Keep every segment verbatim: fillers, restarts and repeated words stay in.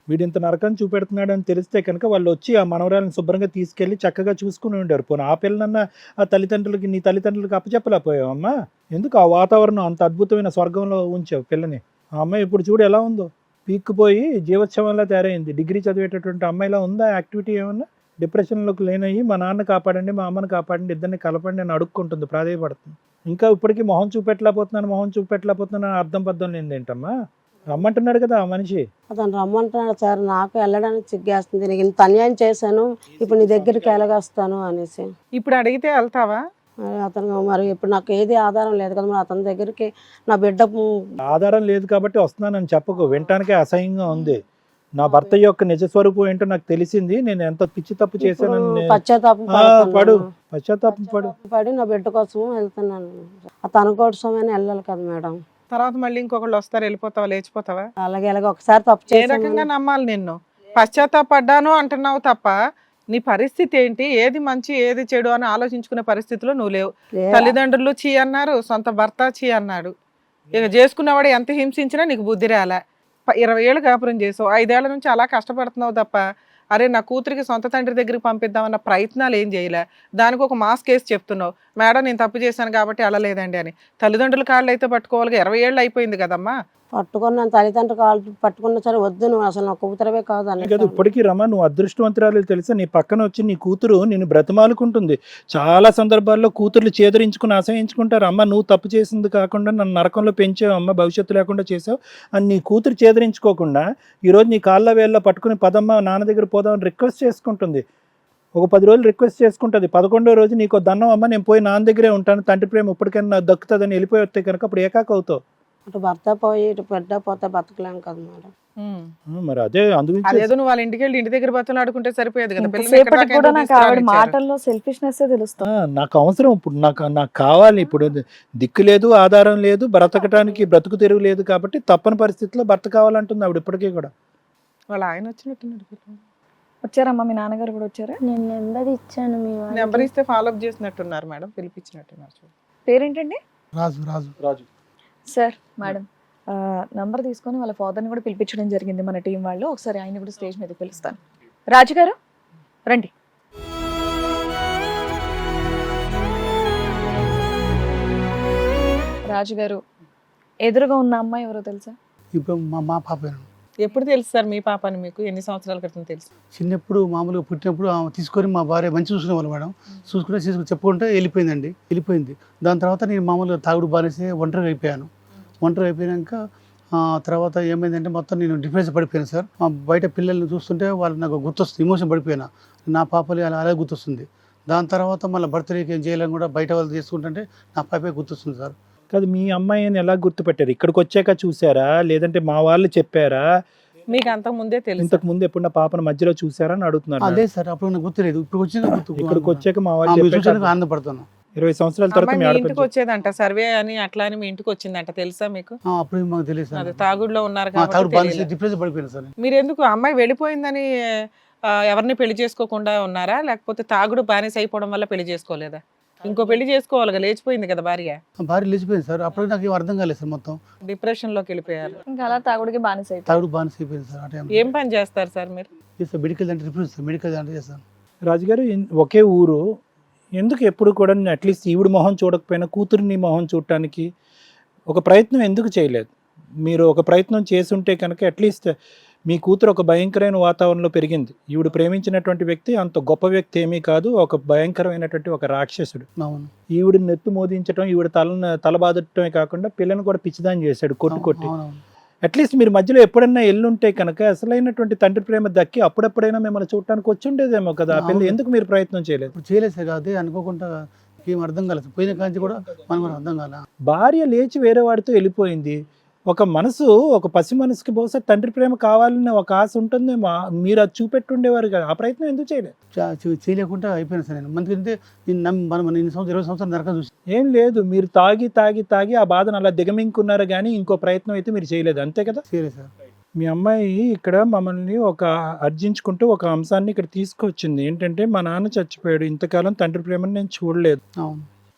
వీడు ఇంత నరకం చూపెడుతున్నాడు అని తెలిస్తే కనుక వాళ్ళు వచ్చి ఆ మనవరాలను శుభ్రంగా తీసుకెళ్లి చక్కగా చూసుకుని ఉండారు. పోనీ ఆ పిల్లనన్నా ఆ తల్లిదండ్రులకి నీ తల్లిదండ్రులకి అప్పచెప్పలేకపోయావమ్మా? ఎందుకు ఆ వాతావరణం అంత అద్భుతమైన స్వర్గంలో ఉంచావు పిల్లని? ఆ అమ్మాయి ఇప్పుడు చూడు ఎలా ఉందో, పీక్కుపోయి జీవోత్సవంలా తయారైంది. డిగ్రీ చదివేటటువంటి అమ్మాయిలా ఉందా యాక్టివిటీ ఏమన్నా? డిప్రెషన్లోకి లేనయ్యి మా నాన్న కాపాడండి, మా అమ్మని కాపాడండి, ఇద్దరిని కలపండి అని అడుక్కుంటుంది, ప్రాధేయపడుతుంది. ఇంకా ఇప్పటికీ మొహం చూపెట్టలేకపోతున్నాను మొహం చూపెట్టలేకపోతున్నాను అని అర్థం పద్ధం లేదేంటమ్మా? రమ్మంటున్నాడు కదా ఆ మనిషి. అతను రమ్మంటున్నాడు సార్, నాకు వెళ్ళడానికి సిగ్గేస్తుంది. నీకు ఇంత అన్యాయం చేశాను, ఇప్పుడు నీ దగ్గరికి ఎలాగొస్తాను అనేసి. ఇప్పుడు అడిగితే వెళ్తావా? మరి అతను మరి ఇప్పుడు నాకు ఏది ఆధారం లేదు కదా, మరి అతని దగ్గరికి నా బిడ్డ ఆధారం లేదు కాబట్టి వస్తున్నానని చెప్పకు, వినటానికే అసహ్యంగా ఉంది. నా భర్త యొక్క నిజస్వరూపం ఏంటో నాకు తెలిసింది, నేను ఎంత పిచ్చి తప్పు చేశానని పశ్చాత్తాపం ఆ, పడు పడుతున్నాను. పశ్చాత్తాపం పడు. పడి నా బిడ్డ కోసం వెళ్తున్నాను. ఆ తన కోసమైనా వెళ్ళాలి కదా మేడం. తర్వాత మళ్ళీ ఇంకొకళ్ళు వస్తారు, వెళ్ళిపోతావా, లేచిపోతావా? అలాగే అలాగే ఒకసారి తప్పు ఏ చేశాను. రకంగా నమ్మాలి నిన్ను? పశ్చాత్తాపడ్డాను అంటున్నావు తప్ప నీ పరిస్థితి ఏంటి, ఏది మంచి ఏది చెడు అని ఆలోచించుకునే పరిస్థితిలో నువ్వు లేవు. లే- తల్లిదండ్రులు చీ అన్నారు, సొంత భర్త చీ అన్నాడు. ఇక చేసుకున్నవాడు ఎంత హింసించినా నీకు బుద్ధి రాలే. ప- ఇరవై ఏళ్ళు కాపురం చేసావు, ఐదేళ్ల నుంచి అలా కష్టపడుతున్నావు తప్ప అరే నా కూతురికి సొంత తండ్రి దగ్గరికి పంపిద్దామన్న ప్రయత్నాలు ఏం చేయలే. దానికి ఒక మాస్ కేసు చెప్తున్నావు, మేడం నేను తప్పు చేశాను కాబట్టి అలా లేదండి అని. తల్లిదండ్రుల కాళ్ళు అయితే పట్టుకోవాలి, ఇరవై ఏళ్ళు అయిపోయింది కదమ్మా. పట్టుకున్నాను తల్లిదండ్రులు కాళ్ళు పట్టుకున్నా సరే వద్దు, నువ్వు అసలు నా కూతురవే కాదు అని. కదా ఇప్పటికీ రమ, నువ్వు అదృష్టవంతురాలు తెలుసా? నీ పక్కన వచ్చి నీ కూతురు నిన్ను బ్రతిమాలుకుంటుంది. చాలా సందర్భాల్లో కూతుర్లు చేదరించుకుని అసహించుకుంటారు. అమ్మ నువ్వు తప్పు చేసింది కాకుండా నన్ను నరకంలో పెంచావు, అమ్మ భవిష్యత్తు లేకుండా చేసావు అని నీ కూతురు చేదరించుకోకుండా ఈరోజు నీ కాళ్ళ వేళ్ళ పట్టుకుని పదమ్మ నాన్న దగ్గర పోదామని రిక్వెస్ట్ చేసుకుంటుంది. ఒక పది రోజులు రిక్వెస్ట్ చేసుకుంటుంది. పదకొండో రోజు నీకు దండం అమ్మ, నేను పోయి నాన్న దగ్గరే ఉంటాను, తండ్రి ప్రేమ ఇప్పటికైనా నాకు దక్కుతుందని వెళ్ళిపోయి వస్తే కనుక అప్పుడు ఏకాక అవుతావు. అటు భర్త పోయి ఇటు బిడ్డ పోతే బతకలేం కదా మేడం. ఉమ్. మరి అదే అందుగురించి అదేదో నువ్వు వాళ్ళ ఇంటికి వెళ్ళి ఇంటి దగ్గర బతులు ఆడుకుంటే సరిపోయేది కదా. పిల్లల్ని ఎక్కడి సేపటికి దాకా కూడా ఎందుకు నాకు ఆవిడ తీసుకురానిచ్చారు? మాటల్లో సెల్ఫిష్నెస్ తెలుస్తుంది. ఆ, నాకు అవసరం ఇప్పుడు, నాకు నాకు కావాలి ఇప్పుడు. దిక్కు లేదు, ఆధారం లేదు, బ్రతకటానికి బ్రతుకు తెరువు లేదు కాబట్టి తప్పని పరిస్థితిలో భర్త కావాలంటుంది ఆవిడ ఇప్పటికీ కూడా. వాళ్ళ ఆయన వచ్చినట్టున్నాడు. వచ్చారమ్మా మీ నాన్నగారు కూడా వచ్చారా? నేను నెంబర్ ఇచ్చాను మీ వాళ్ళకి. నెంబర్ ఇస్తే ఫాలో అప్ చేసినట్టున్నారు మేడం, పిలిపించినట్టున్నారు. చూడు. పేరేంటండి? Raju Raju Raju sir madam number తీసుకొని వాళ్ళ ఫాదర్ని కూడా పిలిపించడం జరిగింది మన టీం వాళ్ళు. ఒకసారి ఆయన కూడా స్టేజ్ మీద పిలుస్తాను. రాజుగారు రండి. రాజుగారు ఎదురుగా ఉన్న అమ్మాయి ఎవరో తెలుసా? ఇప్పుడు మా మా పాప ఎప్పుడు తెలుసు సార్ మీ పాపని మీకు? ఎన్ని సంవత్సరాల క్రితం తెలుసు? చిన్నప్పుడు మామూలుగా పుట్టినప్పుడు ఆమె తీసుకొని మా భార్య మంచి చూసుకునేవాళ్ళు మేడం. చూసుకుంటే తీసుకుని చెప్పుకుంటే వెళ్ళిపోయిందండి, వెళ్ళిపోయింది. దాని తర్వాత నేను మామూలుగా తాగుడు బానేసి ఒంటరి అయిపోయాను. ఒంటరి అయిపోయాక ఆ తర్వాత ఏమైందంటే మొత్తం నేను డిఫరెన్స్ పడిపోయాను సార్. మా బయట పిల్లల్ని చూస్తుంటే వాళ్ళు నాకు గుర్తొస్తుంది, ఎమోషన్ పడిపోయినా. నా పాపలు అలా అలాగే గుర్తొస్తుంది. దాని తర్వాత మళ్ళీ బర్త్డేకి ఏం చేయాలని కూడా బయట వాళ్ళు చేసుకుంటుంటే నా పాపే గుర్తొస్తుంది సార్. కాదు, మీ అమ్మాయిని ఎలా గుర్తుపెట్టారు? ఇక్కడికి వచ్చాక చూసారా లేదంటే మా వాళ్ళు చెప్పారా? మీకు అంతకు ముందే తెలుసు? ఇంతకు ముందు ఎప్పుడు నా పాపను మధ్యలో చూసారా అని అడుగుతున్నారు. అదే సార్, అప్పుడు నాకు గుర్తులేదు, ఇప్పుడు వచ్చింది గుర్తు. ఇక్కడికి వచ్చాక మా వాళ్ళు చూసాను, చెప్పారు. ఆనందపడుతున్నాను. ఇరవై సంవత్సరాల తర్వాత అమ్మాయి మీ మీ ఆడపడుచు ఇంటికి వచ్చేదంట, సర్వే అని అట్లా అని మీ ఇంటికి వచ్చిందంట, తెలుసా మీకు? ఆ, అప్పుడు మాకు తెలియదు సార్. అదే తాగుడులో ఉన్నారు తాగుడు కాబట్టి బానేసి తెలియలే. డిఫరెన్స్ పడిపోయాను సార్. మీరు ఎందుకు అమ్మాయి వెళ్ళిపోయిందని ఆ, ఎవరిని పెళ్లి చేసుకోకుండా ఉన్నారా, లేకపోతే తాగుడు బానిస అయిపోవడం వల్ల పెళ్లి చేసుకోలేదా? ఇంకో పెళ్లి చేసుకోవాలిగా, లేచిపోయింది కదా భార్య. భార్య లేచిపోయింది సార్. అప్పుడు నాకు ఏం అర్థం కాలేదు సార్. మొత్తం డిప్రెషన్ లోకి వెళ్ళిపోయారు. ఇంకా అలా తాగుడికి బానిస అయిపోయారు. తాగుడు బానిస అయిపోయింది సార్. ఆ టైం ఏం పని చేస్తారు సార్ మీరు? చేస్తాను, మెడికల్ అంటే రిఫరెన్స్ సార్, మెడికల్ అంటే చేస్తాను. రాజుగారు ఇన్- ఒకే ఊరు, ఎందుకు ఎప్పుడు కూడా అట్లీస్ట్ ఈవిడ మొహం చూడకపోయినా కూతురిని మొహం చూడటానికి ఒక ప్రయత్నం ఎందుకు చేయలేదు? మీరు ఒక ప్రయత్నం చేసుంటే కనుక అట్లీస్ట్ మీ కూతురు ఒక భయంకరమైన వాతావరణంలో పెరిగింది. ఈవిడ ప్రేమించినటువంటి వ్యక్తి అంత గొప్ప వ్యక్తి ఏమీ కాదు, ఒక భయంకరమైనటువంటి ఒక రాక్షసుడు. అవును ఈవిడ నెత్తు మోదించడం, ఈవిడ తలను తలబాదటమే కాకుండా పిల్లని కూడా పిచ్చిదాని చేశాడు కొట్టు కొట్టి. అవునవును. అట్లీస్ట్ మీరు మధ్యలో ఎప్పుడైనా ఎల్లుంటే కనుక అసలైనటువంటి తండ్రి ప్రేమ దక్కి అప్పుడెప్పుడైనా మిమ్మల్ని చూడటానికి వచ్చి ఉండేదేమో కదా. ఆ పిల్ల అవును. ఎందుకు మీరు ప్రయత్నం చేయలేదు? ఇప్పుడు చేయలేదు సార్. అదే అనుకోకుండా ఏం అర్థం కాలేదు. పోయిన కాంచి కూడా మనం కూడా అర్థం కాలే. భార్య లేచి వేరే వాడితో వెళ్ళిపోయింది. ఒక మనసు, ఒక పసి మనసుకి బహుశా తండ్రి ప్రేమ కావాలని ఒక ఆశ ఉంటుందేమో, మీరు అది చూపెట్టుండేవారు కదా. ఆ ప్రయత్నం ఎందుకు చేయలేదు? చా- చే- చేయలేకుండా అయిపోయినా సార్ నేను. మందుకంటే నేను నమ్మి మనం ఇన్ని సంవత్సరం ఇరవై సంవత్సరాలు నరకం చూసి ఏం లేదు, మీరు తాగి తాగి తాగి ఆ బాధను అలా దిగమింగుకున్నారు కానీ ఇంకో ప్రయత్నం అయితే మీరు చేయలేదు, అంతే కదా. చేయలేదు సార్. మీ అమ్మాయి ఇక్కడ మమ్మల్ని ఒక అర్జించుకుంటూ ఒక అంశాన్ని ఇక్కడ తీసుకొచ్చింది. ఏంటంటే మా నాన్న చచ్చిపోయాడు, ఇంతకాలం తండ్రి ప్రేమను నేను చూడలేదు. అవును.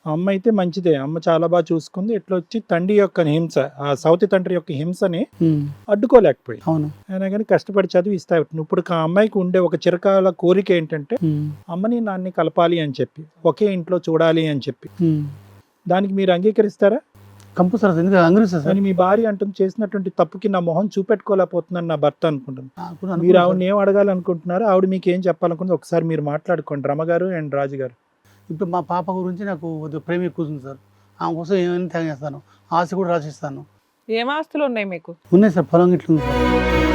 అమ్మ అయితే మంచిదే, అమ్మ చాలా బాగా చూసుకుంది. ఇట్లా వచ్చి తండ్రి యొక్క హింస, ఆ సౌతి తండ్రి యొక్క హింసని ఉమ్, అడ్డుకోలేకపోయి అవును. అయినా కానీ కష్టపడి చదివి ఇస్తా. ఇప్పుడు ఆ అమ్మాయికి ఉండే ఒక చిరకాల కోరిక ఏంటంటే ఉమ్, అమ్మని నాన్ని కలపాలి అని చెప్పి, ఒకే ఇంట్లో చూడాలి అని చెప్పి. ఉమ్. దానికి మీరు అంగీకరిస్తారా? కంపల్సరీ సార్, ఎందుకంటే అంగీకరిస్తా సార్. అని మీ భార్య అంటుంది చేసినటువంటి తప్పుకి నా మొహం చూపెట్టుకోలేకపోతున్నాను నా భర్త అనుకుంటుంది. నాకు కూడా మీరు అనుకున్నా ఆవిడని సార్. ఏం అడగాలనుకుంటున్నారు, ఆవిడ మీకు ఏం చెప్పాలనుకుంటుంది ఒకసారి మీరు మాట్లాడుకోండి రమ గారు అండ్ రాజు గారు. ఇప్పుడు మా పాప గురించి నాకు కొద్దిగా ప్రేమ ఎక్కువ ఉంది సార్. ఆమె కోసం ఏమైనా త్యాగం చేస్తాను, ఆశ కూడా రాసిస్తాను. ఏం ఆస్తులు ఉన్నాయి మీకు? ఉన్నాయి సార్, పొలం ఇట్లా ఉంది సార్.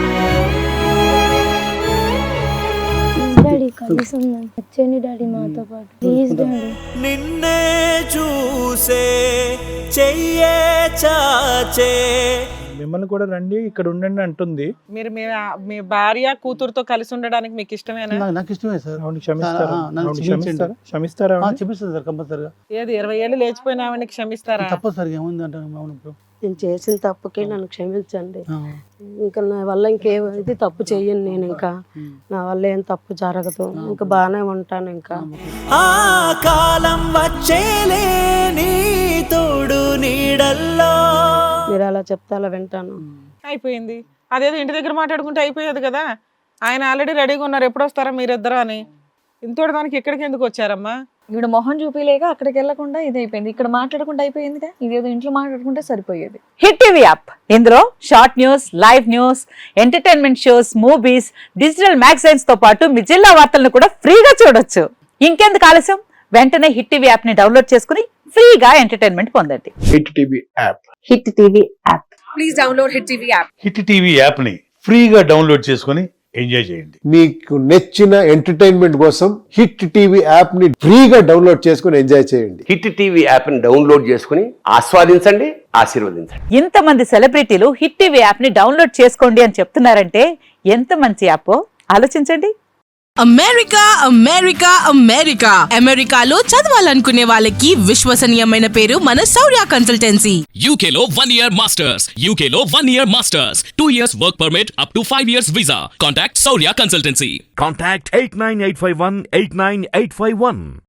డాడీ కలిసి ఉందాం, వచ్చేయండి డాడీ మాతో పాటు ప్లీజ్ డాడీ. నిన్నే చూసే చెయ్యే చాచే. మిమ్మల్ని కూడా రండి ఇక్కడ ఉండండి అంటుంది. మీరు మీ మీ భార్య కూతురుతో కలిసి ఉండడానికి మీకు ఇష్టమేనా? నాకు- నాకు ఇష్టమే సార్. ఆవిడ క్షమిస్తారా? ఆ, నన్ను ఆవిడని క్షమించండి. క్షమిస్తారా? క్షమిస్తారా ఆ, ఆవిడని? చెప్పిస్తాను సార్ కంపల్సరిగా. ఏది ఇరవై ఏళ్ళు లేచిపోయిన ఆవిడని క్షమిస్తారా? తప్పదు సార్, ఏముంది అంటే అవును ఇప్పుడు. నేను చేసిన తప్పుకి నన్ను క్షమించండి. ఆ, ఇంకా నా వల్ల ఇంకే ఇది తప్పు చెయ్యను నేను. ఇంకా ఉమ్. నా వల్ల ఏం తప్పు జరగదు, ఇంకా బాగానే ఉంటాను. ఇంకా ఆ కాలం వచ్చేలే నీ తోడు నీడల్లో. మీరు అలా చెప్తే అలా వింటాను. అయిపోయింది. అదేదో ఇంటి దగ్గర మాట్లాడుకుంటే అయిపోయేది కదా. ఆయన ఆల్రెడీ రెడీగా ఉన్నారు, ఎప్పుడు వస్తారా మీరిద్దరు అని. ఇంతోటి దానికి ఇక్కడికి ఎందుకు వచ్చారమ్మా? ఈవిడ మొహం చూపిలేక అక్కడికి వెళ్లకుండా ఇది అయిపోయింది, ఇక్కడ మాట్లాడకుండా అయిపోయిందిగా. ఇదేదో ఇంట్లో మాట్లాడుకుంటే సరిపోయేది. హిట్ టీవీ యాప్, ఇందులో short news, live news, entertainment shows, movies, digital magazines తో పాటు మీ జిల్లా వార్తలను కూడా ఫ్రీగా చూడొచ్చు. ఇంకెందుకు ఆలస్యం, వెంటనే హిట్ టీవీ యాప్ ని డౌన్లోడ్ చేసుకుని ఫ్రీగా ఎంటర్టైన్మెంట్ పొందండి. Hit TV app hit TV app. Please download hit TV app. Hit TV యాప్ని ఫ్రీగా డౌన్లోడ్ చేసుకొని ఎంజాయ్ చేయండి. మీకు నచ్చిన ఎంటర్టైన్మెంట్ కోసం హిట్ టీవీ యాప్ ని ఫ్రీగా డౌన్లోడ్ చేసుకుని ఎంజాయ్ చేయండి. హిట్ టీవీ యాప్ని డౌన్లోడ్ చేసుకుని ఆస్వాదించండి, ఆశీర్వదించండి. ఇంతమంది సెలబ్రిటీలు హిట్ టీవీ యాప్ ని డౌన్లోడ్ చేసుకోండి అని చెప్తున్నారంటే ఎంత మంచి యాప్ ఆలోచించండి. అమెరికా అమెరికా అమెరికా అమెరికాలో చదవాలనుకునే వాళ్ళకి విశ్వసనీయమైన పేరు మన శౌర్య కన్సల్టెన్సీ. యూకేలో వన్ ఇయర్ మాస్టర్స్, యూకేలో one year masters, two years work permit, up to five years visa. Contact Shaurya consultancy. Contact eight nine eight five one eight nine eight five one.